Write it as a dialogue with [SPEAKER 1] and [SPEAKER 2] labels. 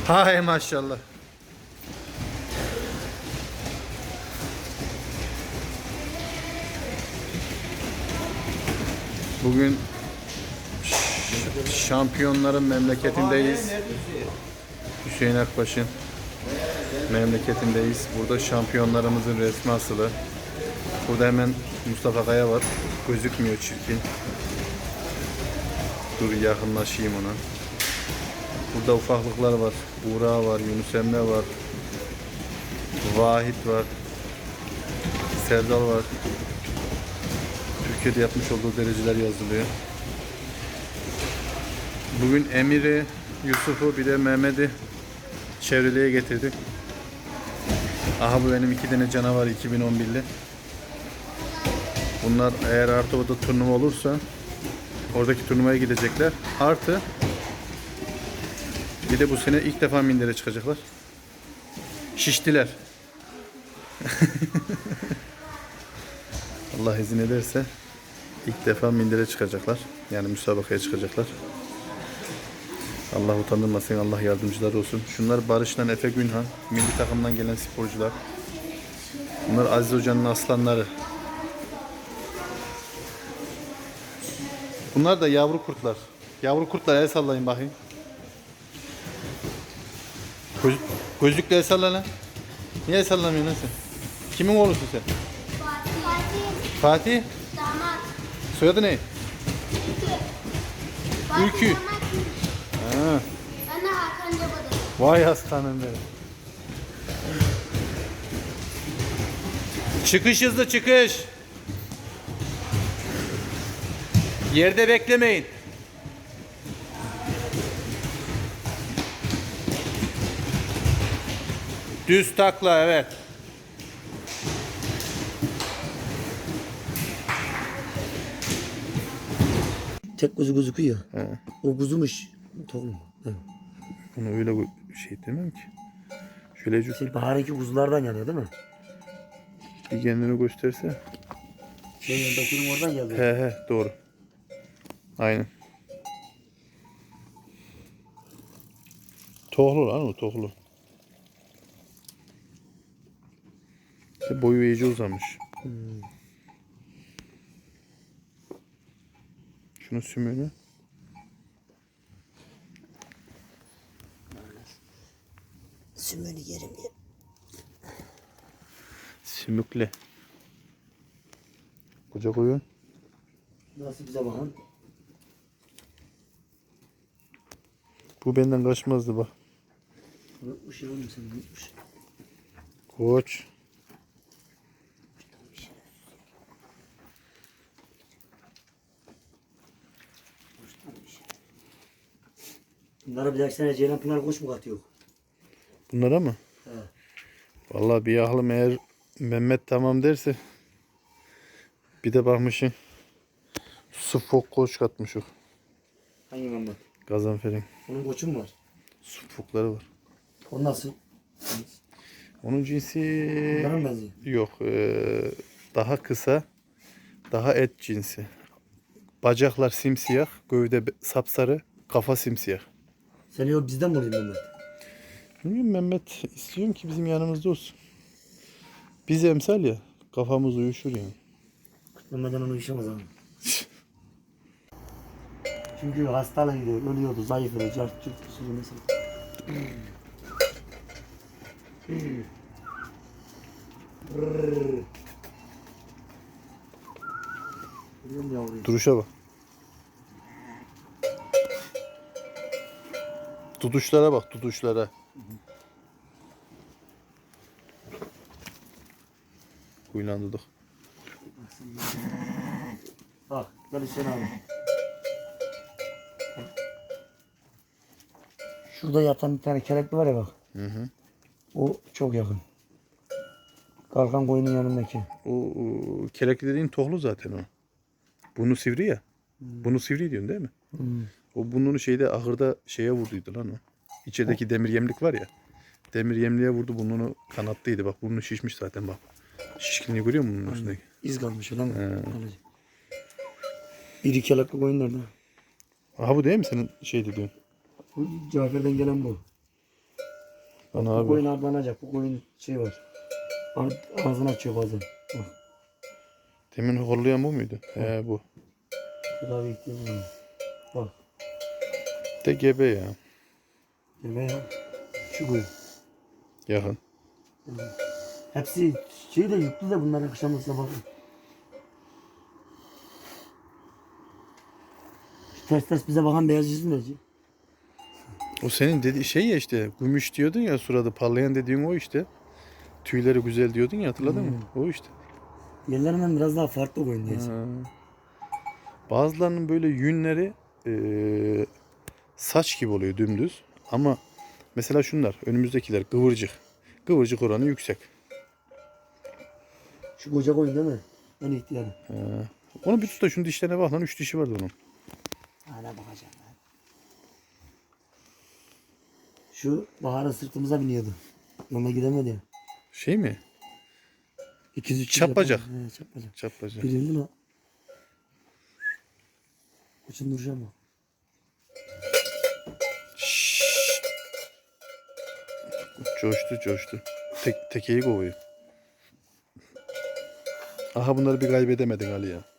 [SPEAKER 1] Hay maşallah. Bugün şampiyonların memleketindeyiz. Hüseyin Akbaş'ın memleketindeyiz. Burada şampiyonlarımızın resmi asılı. Burada hemen Mustafa Kaya var. Gözükmüyor, çirkin. Dur yakınlaşayım ona. Burada ufaklıklar var. Buğra var, Yunus Emre var. Vahit var. Serdal var. Türkiye'de yapmış olduğu dereceler yazılıyor. Bugün Emir'i, Yusuf'u bir de Mehmet'i çevreliğe getirdik. Aha bu benim 2 tane canavar 2011'li. Bunlar eğer artı orada turnuva olursa oradaki turnuvaya gidecekler. Artı bir de bu sene ilk defa mindere çıkacaklar. Şiştiler. Allah izin ederse ilk defa mindere çıkacaklar. Yani müsabakaya çıkacaklar. Allah utandırmasın, Allah yardımcıları olsun. Şunlar Barış'tan Efe Günhan, milli takımdan gelen sporcular. Bunlar Aziz Hoca'nın aslanları. Bunlar da yavru kurtlar. Yavru kurtlar, el sallayın bakayım. Gözlükle el salla lan. Niye el sallamıyorsun lan sen? Kimin oğlusun sen?
[SPEAKER 2] Fatih.
[SPEAKER 1] Fatih?
[SPEAKER 2] Damat.
[SPEAKER 1] Soyadı ne? Ülkü.
[SPEAKER 2] Damat.
[SPEAKER 1] Ha.
[SPEAKER 2] Ben de Hakan Caba'dır.
[SPEAKER 1] Vay aslanım benim. Çıkış hızlı, çıkış. Yerde beklemeyin. Düz takla, evet.
[SPEAKER 3] Tek kuzu gözüküyor.
[SPEAKER 1] He.
[SPEAKER 3] O kuzumuş. Tohum. Evet.
[SPEAKER 1] Bunu öyle şey demem ki. Şöyle
[SPEAKER 3] Şey, baharınki kuzulardan geliyor değil mi?
[SPEAKER 1] bir kendini gösterse.
[SPEAKER 3] Şey yanındakinin oradan geliyor.
[SPEAKER 1] He doğru. Aynen. Tohlu lan o, tohlu. İşte boyu iyice uzamış. Şunun sümüğünü.
[SPEAKER 3] Sümünü yerim ya.
[SPEAKER 1] Sümükle. Koca koyun.
[SPEAKER 3] Nasıl bize bakın?
[SPEAKER 1] Bu benden kaçmazdı bak.
[SPEAKER 3] Unutmuş ya oğlum sen unutmuş.
[SPEAKER 1] Koç.
[SPEAKER 3] Bunlara bir dahaki sene Ceylan Pınar koç mu katıyor?
[SPEAKER 1] Bunlara mı?
[SPEAKER 3] He.
[SPEAKER 1] Vallahi bir aklım eğer Mehmet tamam derse bir de bakmışım su fok koç katmışım.
[SPEAKER 3] Hangi Mehmet?
[SPEAKER 1] Gazanfer'in
[SPEAKER 3] Onun koçu mu var?
[SPEAKER 1] su fokları var.
[SPEAKER 3] O nasıl?
[SPEAKER 1] Onun cinsi
[SPEAKER 3] Bunlara mı benziyor?
[SPEAKER 1] yok. Daha kısa, daha et cinsi. Bacaklar simsiyah, gövde sapsarı, kafa simsiyah.
[SPEAKER 3] Sen yok bizden mi olayım Mehmet?
[SPEAKER 1] Bilmiyorum, Mehmet istiyorum ki bizim yanımızda olsun. Biz emsal ya, kafamız uyuşur yani.
[SPEAKER 3] Mehmet'den onu işemez abi. Çünkü hastalığıydı, ölüyordu, zayıfladı, cart cırt bir sürü mesela. Görüyor musun yavruyu?
[SPEAKER 1] Duruşa bak. Tutuşlara bak, tutuşlara. Kuyulandırdık.
[SPEAKER 3] Bak, gel Hüseyin abi. Şurada yatan bir tane kelekli var ya bak.
[SPEAKER 1] Hı hı.
[SPEAKER 3] O çok yakın. Kalkan koyunun yanındaki.
[SPEAKER 1] O kelekli dediğin tohlu zaten o. Bunu sivri ya. Bunu sivri diyorsun değil mi? O bunun şeyde ahırda şeye vurduydu lan o. İçerideki demir yemlik var ya. Demir yemliğe vurdu, burnunu kanattıydı. Bak burnu şişmiş zaten bak. Şişkinliği görüyor musun bunun üstündeki?
[SPEAKER 3] İz kalmış lan. İri kelekli koyun nerede?
[SPEAKER 1] Aha bu değil mi senin şey dediğin?
[SPEAKER 3] Bu Cafer'den gelen bu.
[SPEAKER 1] Ana
[SPEAKER 3] Bu
[SPEAKER 1] abi.
[SPEAKER 3] koyun arlanacak. Bu koyun şey var. Ağzını açıyor bazen. Bak.
[SPEAKER 1] Demin horlayan bu muydu? He bu.
[SPEAKER 3] Tedavi ihtiyacı var. Bak.
[SPEAKER 1] De gebe ya.
[SPEAKER 3] Yemeğe şu koyun.
[SPEAKER 1] Yakın.
[SPEAKER 3] Hepsi şey de yüklü de bunların akşamısına bakın. Şu ters ters bize bakan beyaz yüzü ne?
[SPEAKER 1] O senin dediği şey ya işte. Gümüş diyordun ya, suradı parlayan dediğin o işte. Tüyleri güzel diyordun ya, hatırladın mı? O işte.
[SPEAKER 3] Diğerlerinden biraz daha farklı koyun diyeceğim.
[SPEAKER 1] Ha. Bazılarının böyle yünleri saç gibi oluyor dümdüz. Ama mesela şunlar önümüzdekiler kıvırcık. Kıvırcık oranı yüksek.
[SPEAKER 3] Şu koca koyun değil mi? En ihtiyarı.
[SPEAKER 1] Onu bir tut da şunun dişlerine bak lan, 3 dişi vardı onun.
[SPEAKER 3] Hala bakacağım ben. Şu Bahar'ın sırtımıza biniyordu. Yoluna gidemedi ya.
[SPEAKER 1] Şey mi?
[SPEAKER 3] 200-300
[SPEAKER 1] Çapacak.
[SPEAKER 3] yapar. He, çapacak.
[SPEAKER 1] Çapraz.
[SPEAKER 3] Birindi mi? Uçun duracağım mı?
[SPEAKER 1] Coştu. Tekeyi kovuyor. Aha bunları bir kaybedemedik Ali ya.